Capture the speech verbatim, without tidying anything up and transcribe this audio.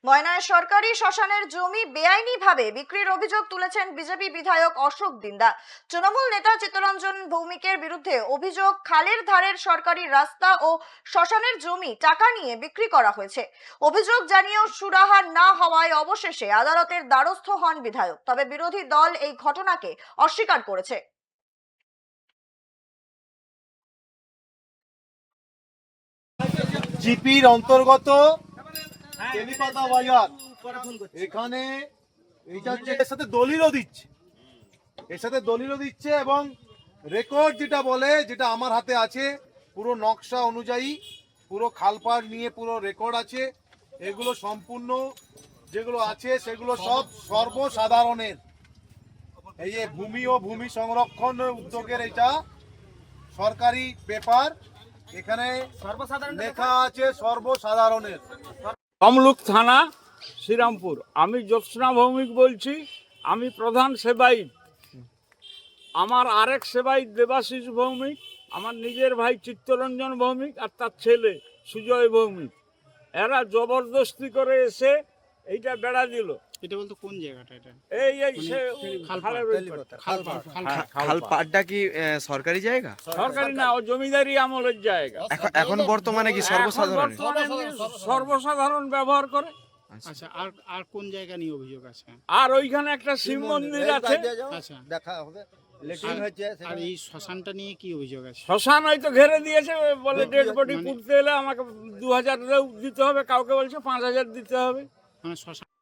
ময়নায় সরকারি শ্মশানের জমি বেআইনিভাবে বিক্রির অভিযোগ তুলেছেন বিজেপি বিধায়ক অশোক দিন্দা। তৃণমূল নেতা চিত্তরঞ্জন ভৌমিকের বিরুদ্ধে অভিযোগ, খালের ধারের সরকারি রাস্তা ও শ্মশানের জমি টাকা নিয়ে বিক্রি করা হয়েছে। অভিযোগ জানিয়েও সুরাহা না হওয়ায় অবশেষে আদালতের দ্বারস্থ হন বিধায়ক। তবে বিরোধী দল এই ঘটনাকে অস্বীকার করেছে। জিপির অন্তর্গত তেলিপাতা বাজার, এখানে এইটা হচ্ছে এর সাথে দলিলও দিচ্ছে এর সাথে দলিলও দিচ্ছে এবং রেকর্ড যেটা বলে, যেটা আমার হাতে আছে, পুরো নকশা অনুযায়ী পুরো খালপাড় নিয়ে পুরো রেকর্ড আছে। এগুলো সম্পূর্ণ যেগুলো আছে সেগুলো সব সর্বসাধারণের। এই যে ভূমি ও ভূমি সংরক্ষণ উদ্যোগের এটা সরকারি পেপার, এখানে লেখা আছে সর্বসাধারণের। তমলুক থানা, শ্রীরামপুর। আমি জ্যোৎস্না ভৌমিক বলছি। আমি প্রধান সেবায়িত। আমার আরেক সেবায়িত দেবাশিস ভৌমিক, আমার নিজের ভাই চিত্তরঞ্জন ভৌমিক আর তার ছেলে সুজয় ভৌমিক। এরা জবরদস্তি করে এসে এইটা বেড়া দিল। এটা বলতে কোন জায়গাটা? এটা এই এই সে খালপাড়, খালের ওই পাড়টা। খালপাড়, হ্যাঁ, খালপাড়টা কি আহ, সরকারি জায়গা? সরকারি না, ও জমিদারি আমলের জায়গা। এখন এখন বর্তমানে কি এখন সর্বসাধারণ? বর্তমানে সর্বসাধারণ ব্যবহার করে। আচ্ছা, আর আর কোন জায়গা নিয়ে অভিযোগ আছে? আর ওইখানে একটা শিব মন্দির আছে। আচ্ছা, দেখা হবে। আর এই শ্মশানটা নিয়ে কি অভিযোগ আছে? শ্মশান হয়তো ঘেরে দিয়েছে, বলে ডেড বডি পুঁততে এলে আমাকে দু হাজার দিতে হবে, কাউকে বলছে পাঁচ হাজার দিতে হবে। মানে শ্মশান